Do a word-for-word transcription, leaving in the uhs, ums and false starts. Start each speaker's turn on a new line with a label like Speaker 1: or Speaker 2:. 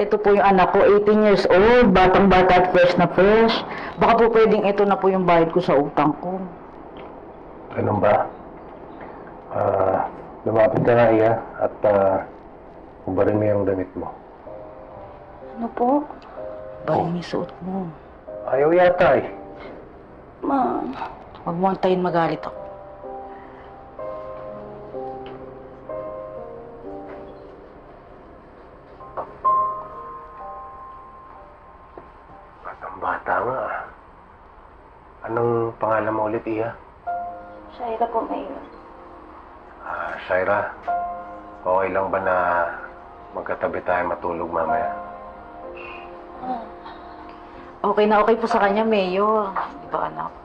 Speaker 1: ito po yung anak ko, eighteen years old, batang-bata at fresh na fresh. Baka po pwedeng ito na po yung bayad ko sa utang ko.
Speaker 2: Ganun ba? Ah, lumapit ka nga, Iya, at uh, ubarin mo yung damit mo.
Speaker 1: Ano po? Barin mo yung suot mo.
Speaker 2: Ayaw yata eh.
Speaker 1: Ma, huwag mo antayin magalit ako.
Speaker 2: Batang bata nga ah. Anong pangalan mo ulit, Iya?
Speaker 1: Shaira po, Mayor.
Speaker 2: Ah, Shaira, okay lang ba na magkatabi tayo matulog mamaya?
Speaker 1: Okay na okay po sa kanya, Mayor. Di ba, anak?